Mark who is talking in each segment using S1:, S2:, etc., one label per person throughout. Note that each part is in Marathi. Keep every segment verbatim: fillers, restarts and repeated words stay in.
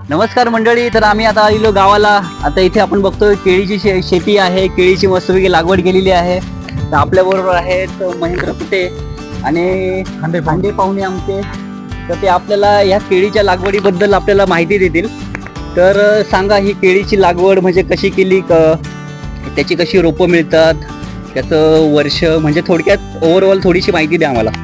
S1: नमस्कार मंडळी. तर आम्ही आता आलेलो गावाला. आता इथे आपण बघतोय केळीची शे, शेती आहे. केळीची मस्तपैकी लागवड केलेली आहे. तर आपल्या बरोबर आहेत महेंद्र कुटे आणि खांडे खांडे पाहुणे आमचे. तर ते आपल्याला या केळीच्या लागवडीबद्दल आपल्याला माहिती देतील. तर सांगा, ही केळीची लागवड म्हणजे कशी केली, त्याची कशी रोपं मिळतात, त्याचं वर्ष, म्हणजे थोडक्यात ओव्हरऑल थोडीशी माहिती द्या आम्हाला.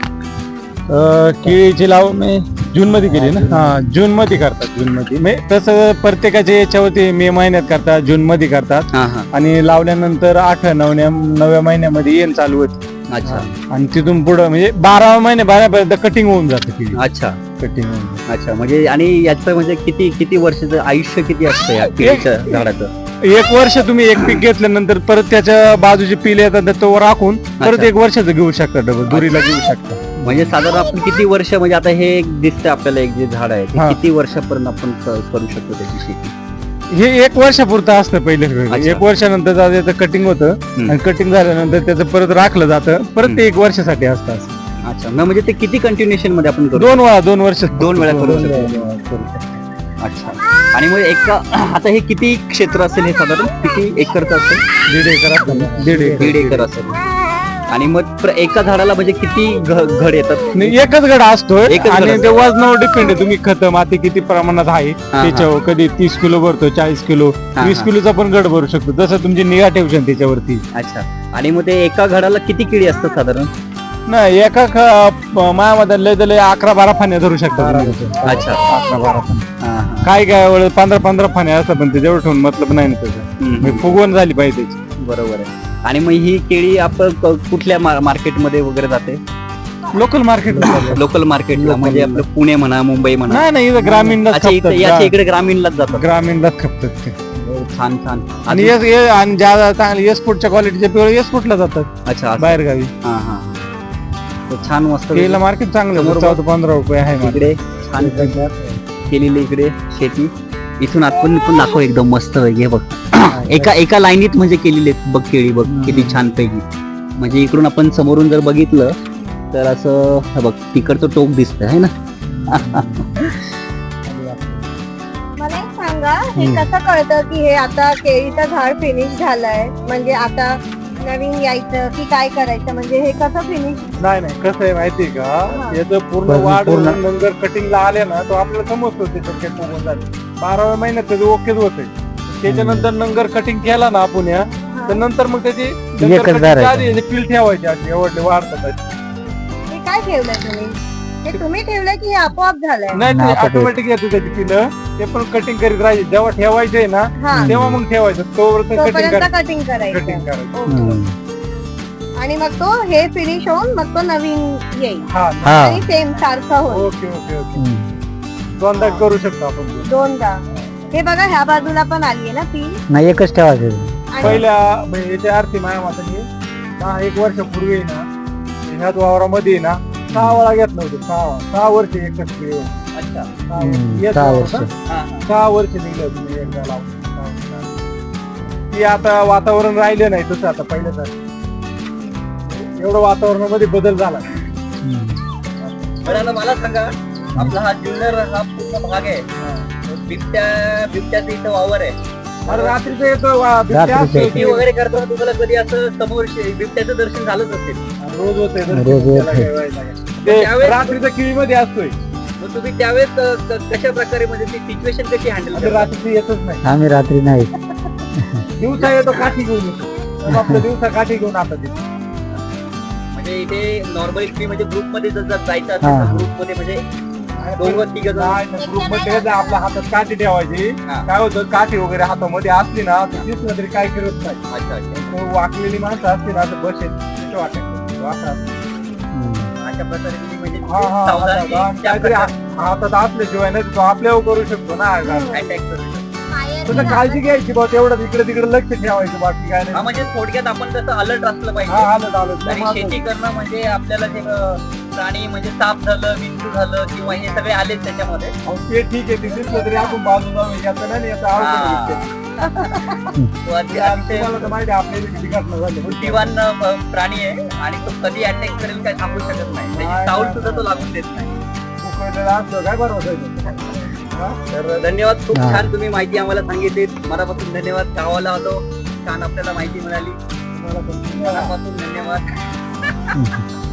S2: केळीची लावण मी जून मध्ये केली ना. हा, जून मध्ये करतात. जून मध्ये तसं प्रत्येकाच्या याच्यावरती मे महिन्यात करतात, जून मध्ये करतात.
S1: हा हा
S2: आणि लावल्यानंतर आठ नवण्या नवव्या महिन्यामध्ये येण चालू होते.
S1: अच्छा.
S2: आणि तिथून पुढं म्हणजे बारा महिने बारापर्यंत कटिंग होऊन जातं केळी.
S1: अच्छा
S2: कटिंग होऊन.
S1: अच्छा. म्हणजे आणि याचं म्हणजे किती किती वर्षाचं आयुष्य किती असतं या केळीच्या झाडाचं?
S2: एक वर्ष तुम्ही एक पीक घेतल्यानंतर परत त्याच्या बाजूचे पिले येतात, तो राखून परत
S1: अच्छा.
S2: एक वर्षाचं घेऊ शकता, डबल दुरीला घेऊ शकता.
S1: म्हणजे साधारण आपण किती वर्ष, म्हणजे आता हे एक दिसतंय आपल्याला एक जे झाड आहे ते
S2: हा.
S1: किती वर्षापर्यंत आपण क- करू शकतो त्याची शेती?
S2: हे एक वर्षापुरतं असतं पहिले.
S1: अच्छा.
S2: एक वर्षानंतर त्याचं कटिंग होतं
S1: हम्म.
S2: आणि कटिंग झाल्यानंतर त्याचं परत राखलं जातं, परत ते एक वर्षासाठी असतं असं.
S1: अच्छा. न म्हणजे ते किती कंटिन्युएशन मध्ये आपण करू?
S2: दोन वेळा दोन वर्ष
S1: दोन वेळा करू शकतो.
S2: वेळा करू शकतो.
S1: अच्छा. आणि मग एका आता हे किती क्षेत्र असेल, हे साधारण किती एकरचं असेल?
S2: दीड एकर असतं ना. दीड एकर
S1: दीड एकर असेल. आणि मग प्र- एका झाडाला म्हणजे किती घ- घड येतात?
S2: नाही, एकच गड असतोय.
S1: एकच गड
S2: आणि
S1: असतो.
S2: ते वजनावर डिपेंड आहे, तुम्ही खत माती किती प्रमाणात आहे
S1: हा.
S2: त्याच्यावर. कधी तीस किलो भरतो, चाळीस किलो,
S1: हा,
S2: वीस
S1: हा.
S2: किलोचा पण गड भरू शकतो, जसं तुमची निगा ठेवशन त्याच्यावरती.
S1: अच्छा. आणि मग ते एका घडाला किती केळी असतात साधारण?
S2: नाही, एका ख- मायामध्ये लय तर लय अकरा बारा फाण्या धरू शकता तुम्ही.
S1: अच्छा.
S2: अकरा बारा फाण्या.
S1: हा, हा.
S2: काय काय वेळेस पंधरा पंधरा फाण्या असतात, पण ते जेवढं ठेवून मतलब नाही ना त्याचं.
S1: हम्म,
S2: म्हणजे
S1: हम्म.
S2: फुगवण झाली पाहिजे त्याची.
S1: बरोबर आहे. आणि मग ही केळी आपण क- कुठल्या मार्केटमध्ये वगैरे जाते?
S2: Local market.
S1: लोकल मार्केटला,
S2: Local
S1: म्हणजे आपलं पुणे म्हणा, मुंबई म्हणा.
S2: नाही नाही, इथं ग्रामीणलाच
S1: अच्छा. इथे याच्या
S2: खपतात.
S1: इकडे ग्रामीणलाच जातात.
S2: ग्रामीणलाच खपतात ते.
S1: हो, छान छान.
S2: आणि
S1: अजून-
S2: एस- ए- आणि ज्यादा चांगले एसपोर्टच्या क्वालिटीचे पिवळे एसपोर्टला जातात
S1: अच्छा असं.
S2: बाहेर गावी.
S1: हा हा. तर छान मस्त
S2: केळीला मार्केट चांगलं
S1: समोर
S2: आहे, चौदा पंधरा रुपये आहे market.
S1: इकडे छान केलेली इकडे शेती. इथून आपण पण दाखव एकदम मस्त वेगळे बघ. एका एका लाईनीत म्हणजे केलेली आहेत बघ केळी, बघ किती छान पैकी. म्हणजे इकडून आपण समोरून जर बघितलं तर असं हे बघ तिकडचं टोक दिसतंय है ना.
S3: मला एक सांगा, हे कसं कळतं की हे आता केळीचं झाड फिनिश झालंय, म्हणजे आता नवीन यायचं की काय करायचं, म्हणजे हे कसं फिनिश?
S2: नाही नाही, कसं आहे माहितीये का,
S3: हा.
S2: याचं पूर्ण
S1: पूर्ण-
S2: वाढ
S1: पूर्ण.
S2: नंतर कटिंगला आले ना, तो आपल्याला समजतो त्याच्यात काय फुगवून झाले. बाराव्या महिन्यात त्याचं ओकेच होते. त्याच्यानंतर नंतर कटिंग केला ना आपण या, तर नंतर मग त्याची पील ठेवायची अशी एवढे वाढतात अशी.
S3: हे काय ठेवलंय तुम्ही? हे तुम्ही ठेवलंय की हे आपोआप झालंय?
S2: नाही ते ऑटोमॅटिक येतो त्याची पिलं, ते पण कटिंग करीत राहायचे. जेव्हा ठेवायचे ना
S3: हा,
S2: तेव्हा मग ठेवायचं, तोवर कटिंग
S3: तोपर्यंत
S2: करायचं.
S3: कटिंग
S2: कटिंग
S3: करायचं.
S2: करायचं.
S3: ओके. आणि मग तो हे फिनिश होऊन मग तो नवीन येईल
S2: हा.
S3: आणि सेम सारखं होईल
S2: ओके ओके ओके. दोनदा करू शकतो आपण ते.
S3: दोनदा. हे बघा, ह्या बाजूला पण आली आहे ना ती.
S1: नाही, एकच ठेवायचं.
S3: आणि
S2: पहिल्या म्हणजे याच्या आरती माया माताने दहा एक वर्षापूर्वी आहे ना, ह्याच वावरामध्ये आहे ना सहा वेळा घेत नव्हते. सहा सहा वर्ष एकच पिढी होती.
S1: अच्छा.
S2: सहा वर्ष. येत
S1: सहा
S2: नव्हतं.
S1: वर्ष. हा, हा.
S2: सहा वर्ष निघलं तुम्ही एकदा लावून. सहा वर्ष. ती आता वातावरण राहिलं नाही तसं आता पहिल्यासारखं. एवढं वातावरणामध्ये बदल झाला.
S1: बरं, मला सांगा, आपला हा जुन्नर हा पूर्ण भाग आहे, बिबट्या बिबट्याचं इथं वावर आहे.
S2: अरे रात्रीचं येतो वा- बिबट्या असतो.
S1: शेती वगैरे करताना तुम्हाला कधी असं समोर शे- बिबट्याचं दर्शन झालंच असेल?
S2: रोज होते
S1: रोज होतंय.
S2: ते
S1: त्यावेळेस-
S2: रात्रीचं किळीमध्ये असतोय.
S1: मग तुम्ही त्यावेळेस अ, क- कशा प्रकारे, म्हणजे ती सिच्युएशन कशी हँडल
S2: आता
S1: करता?
S2: रात्री येतच नाही.
S4: आम्ही रात्री नाही.
S2: दिवसा येतो काठी घेऊन येतो. मग आपलं दिवसा काठी घेऊन आता तिथे.
S1: म्हणजे इथे नॉर्मली तुम्ही म्हणजे ग्रुप मध्ये जर जर जायचं असेल
S4: हा.
S1: तर ग्रुप मध्ये म्हणजे दोघं तिघ जण.
S2: ग्रुप मध्ये जा, आपल्या हातात काठी ठेवायची.
S1: हा.
S2: काय होतं, काठी वगैरे हातामध्ये असली ना तर दिसलं तरी काय करत नाही.
S1: अच्छा अच्छा.
S2: तो वाकलेली माणसं असली ना तर बसेल तिथे वाटायचं असं असतं.
S1: अशा प्रकारे तुम्ही म्हणजे
S2: हा हा
S1: सावधानी
S2: हातात-
S1: त्या
S2: काहीतरी
S1: प्रकारे
S2: हा- हातात असल्याशिवाय नाही तर तो आपल्यावर करू शकतो ना.
S1: attack करू शकता.
S2: तुझं काळजी घ्यायची बा, तेवढं इकडे तिकडे लक्ष ठेवायचं, बाकी काय
S1: हा,
S2: नाही.
S1: म्हणजे थोडक्यात आपण कसं अलर्ट असलं
S2: हा
S1: पाहिजे.
S2: आलं आलं
S1: आणि शेती करणं म्हणजे आपल्याला जे अ, प्राणी म्हणजे साप झालं, विंचू झालं किंवा हे सगळे आलेच त्याच्यामध्ये.
S2: अहो, ते ठीक आहे, ते दिसलं तरी आपण बाजू जाऊन याचं नाही याचं
S1: हा.
S2: अवघड आहे.
S1: तो अति- अतिशय
S2: तुम्हाला तर माहिती आहे आपल्या इथे किती घटना झाल्या.
S1: बुद्धिवान अ, प्राणी आहे आणि तो कधी अटॅक करेल काय सांगू शकत नाही. त्याची
S2: नाही,
S1: चावल
S2: नाही.
S1: सुद्धा तो लागून देत नाही.
S2: उकळलेलं असलं काय बरं होतं.
S1: तर धन्यवाद, खूप
S4: हा.
S1: छान तुम्ही माहिती आम्हाला सांगितली. मनापासून धन्यवाद. गावाला आलो, छान आपल्याला माहिती मिळाली. मनापासून धन्यवाद.